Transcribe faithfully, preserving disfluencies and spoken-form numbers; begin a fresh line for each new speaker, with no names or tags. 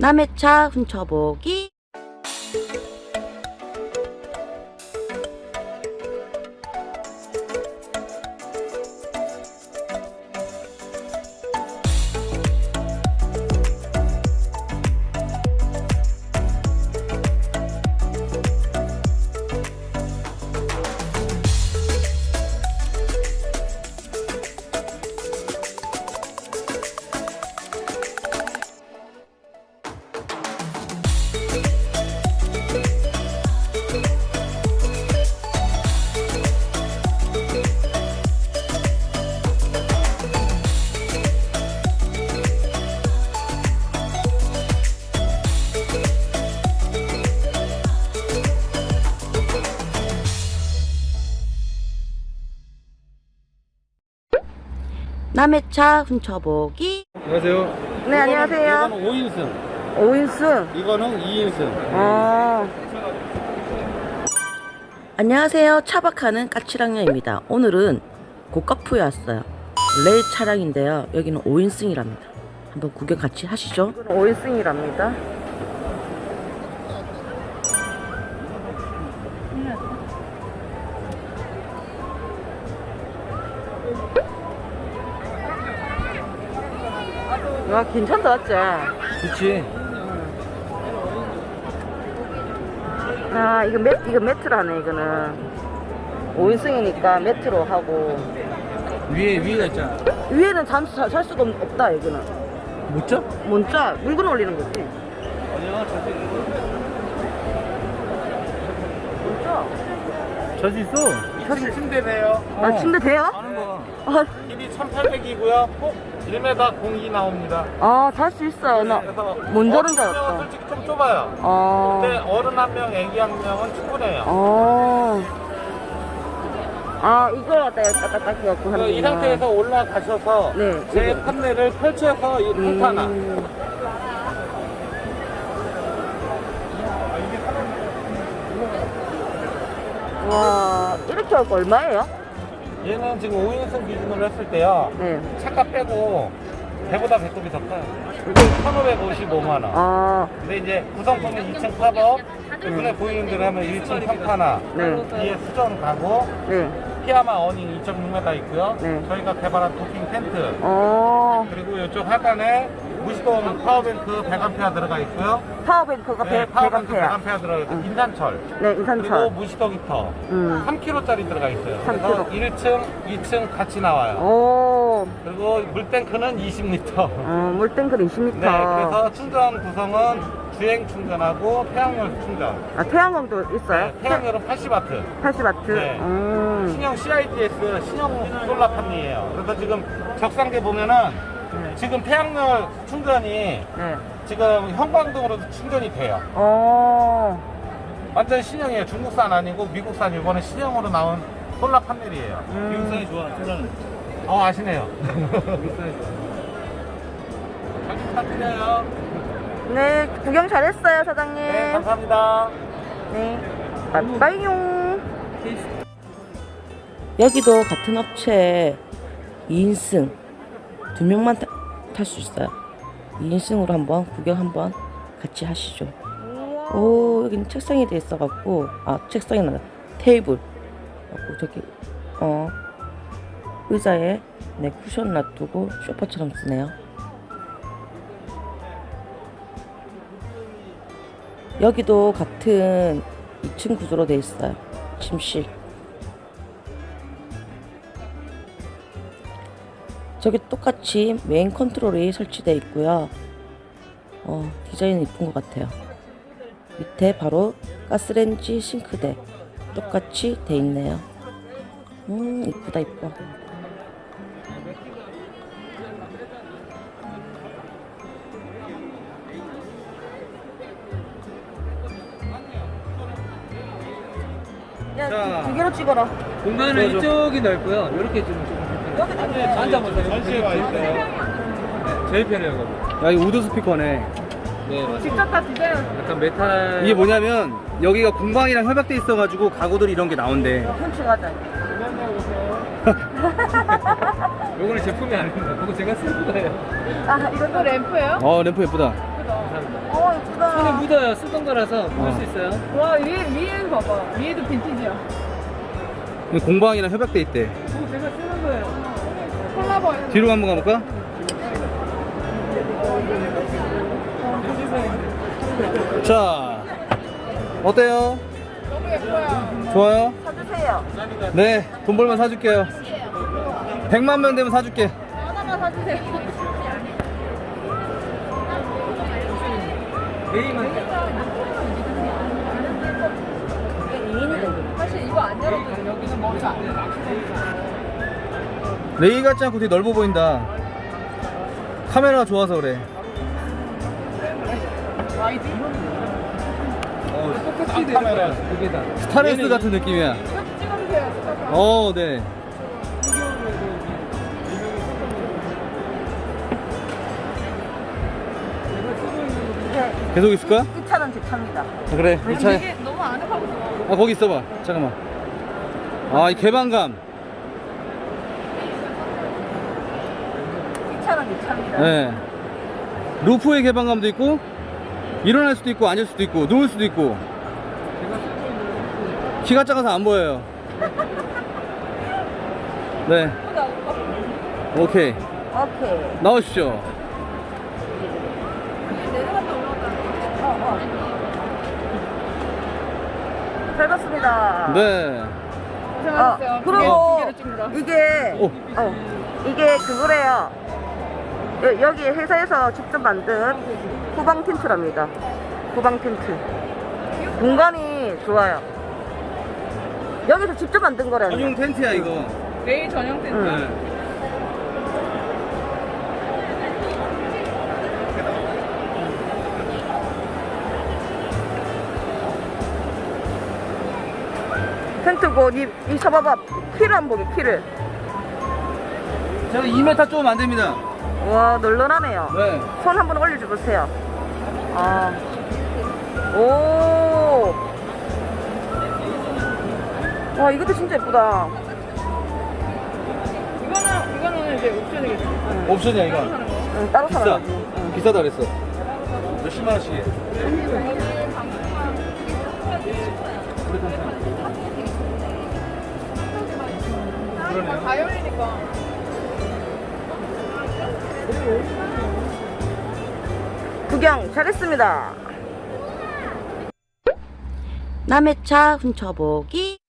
남의 차 훔쳐보기. 남의 차 훔쳐보기.
안녕하세요.
네, 안녕하세요.
이거는 오 인승,
오 인승.
이거는 이 인승.
어. 안녕하세요. 차박하는 까치랑녀입니다. 오늘은 고가푸에 왔어요. 레일 차량인데요. 여기는 오 인승이랍니다. 한번 구경 같이 하시죠. 오 인승이랍니다. 와, 괜찮다, 맞지?
그치.
아, 이거 매, 이거 매트라네, 이거는. 오 인승이니까 매트로 하고.
위에, 위에가 있잖아.
위에는 잠수 살, 살 수가 없- 없다, 이거는.
못 자?
뭔자 물건 올리는 거지.
아니야, 자수
뭔자?
자수 있어.
자수
침대네요.
아, 침대 돼요?
하는 거.
아,
길이 천팔백이고요. 꼭 일 미터 공이 나옵니다.
아, 잘 수 있어요. 나,
그래서
뭔 저런
어른
줄
한 명은
알았다.
솔직히 좀 좁아요.
어,
근데 어른 한 명, 애기 한 명은 충분해요.
어. 아, 이걸 갖다 딱딱딱 해갖고
그
하는
이 상태에서 올라가셔서
네,
제
이거.
판넬을 펼쳐서 이 fonta나.
음. 와, 이렇게 할 거 얼마예요?
얘는 지금 오 인승 기준으로 했을 때요.
네.
차값 빼고 배보다 배꼽이 더 커요. 천오백오십오만 원.
아,
근데 이제 구성품은 이 층 팝업, 눈에 보이는 대로 하면 일 층 평타나,
네.
뒤에 수전 가구,
네.
피아마 어닝 이 점 육 미터 있고요.
네.
저희가 개발한 도킹 텐트,
어,
그리고 이쪽 하단에 무시동 파워뱅크 백 앰페어 들어가 있고요.
파워뱅크가
네,
백
파워뱅크 백
앰페어.
앰페어 들어가 있고
응.
인산철.
네,
그리고
인산철.
무시동 히터
음.
삼 킬로그램짜리 들어가 있어요.
삼
그래서
킬로그램.
일 층, 이 층 같이 나와요.
오,
그리고 물탱크는 이십 리터.
어, 물탱크 이십 미터.
네, 그래서 충전 구성은 주행 충전하고 태양열 충전.
아, 태양광도 있어요?
네, 태양열은 팔십 와트.
팔십 와트?
네.
음.
신형 씨아이디에스 신형 솔라 판이에요. 그래서 지금 적상대 보면은
네.
지금 태양열 충전이
네.
지금 형광등으로도 충전이 돼요.
어,
완전 신형이에요. 중국산 아니고 미국산 이번에 신형으로 나온 솔라 판넬이에요.
음.
미국산이 좋아. 솔라는. 어 아시네요. 미국산이 좋아. 잘 부탁드려요.
네, 구경 잘했어요, 사장님.
네, 감사합니다.
네. 빠이빠이용. 여기도 같은 업체에 이 인승 두 명만 탈 수 있어요. 이 인승으로 한번 구경 한번 같이 하시죠. 오, 여기는 책상이 돼 있어갖고, 아, 책상이 나다. 테이블. 갖고 저기, 어, 의자에 네, 쿠션 놔두고 소파처럼 쓰네요. 여기도 같은 이 층 구조로 돼 있어요. 침실. 저기 똑같이 메인 컨트롤이 설치되어 있고요. 어, 디자인은 이쁜 것 같아요. 밑에 바로 가스레인지 싱크대 똑같이 돼 있네요. 음, 이쁘다 이뻐. 야,
자.
두 개로 찍어라.
공간은 이쪽이 넓고요. 이렇게 좀
여기
불편해요. 앉아보세요.
전시회 와 있어요.
네, 제일 편해요, 거기.
야, 이거 우드 스피커네.
네, 맞아요.
직접 다 드세요.
약간 메탈.
이게 뭐냐면 여기가 공방이랑 협약돼 있어가지고 가구들 이런 게 나온대.
훔쳐가자.
요거는 제품이 아닙니다. 그거 제가 쓴 거예요.
아, 이것도 램프예요?
어, 램프 예쁘다.
감사합니다.
어, 예쁘다.
손에 묻어요. 쓰던 거라서 묻을
어.
수 있어요.
와, 위에, 위에 봐봐. 위에도 빈티지야.
여기 공방이랑 협약돼 있대.
이거 제가 쓰는 거예요.
콜라보.
뒤로 한번 가볼까? 자, 어때요?
너무 예뻐요.
좋아요?
사주세요.
네, 돈 벌면 사줄게요. 백만 명 되면 사줄게.
하나만 사주세요.
메이만.
사실 이거 안 열어도 여기는 머리가 안 돼.
레이 같지 않고 되게 넓어 보인다. 카메라가 좋아서 그래.
와이드.
어, 똑같이 되는
카메라.
거야. 두 개 다.
스타렉스 같은 느낌이야.
찍어주세요.
어, 네. 계속 있을 거야?
이 차는 제 차입니다.
아, 그래, 이 차에.
이게 너무 아늑하고 좋아.
아, 거기 있어봐. 잠깐만. 아, 이 개방감.
이 차는 제 차입니다.
네. 루프의 개방감도 있고, 일어날 수도 있고, 앉을 수도 있고, 누울 수도 있고. 키가 작아서 안 보여요. 네. 오케이.
오케이.
나오십시오.
내려갔다 올라갔다. 어, 어. 잘 봤습니다.
네.
고생하셨어요.
아,
두
그리고
개, 두 개를 찍느라.
이게
오.
어, 이게 그거래요. 여, 여기 회사에서 직접 만든 후방 텐트랍니다. 후방 텐트. 공간이 좋아요. 여기서 직접 만든 거라요.
전용 텐트야, 이거.
내일 전용 텐트.
응.
네.
텐트고 이, 이 서봐봐. 키를 한번 보게 키를.
제가 이 미터 조금 안 됩니다.
와 널널하네요.
네.
손 한번 올려줘 보세요. 아. 오. 와 이것도 진짜 예쁘다.
이거는, 이거는 이제 옵션이겠죠.
옵션이야, 이거.
응, 따로
비싸.
사가지고.
비싸다 그랬어. 몇십만 원씩.
다 열리니까.
구경 잘했습니다. 남의 차 훔쳐보기.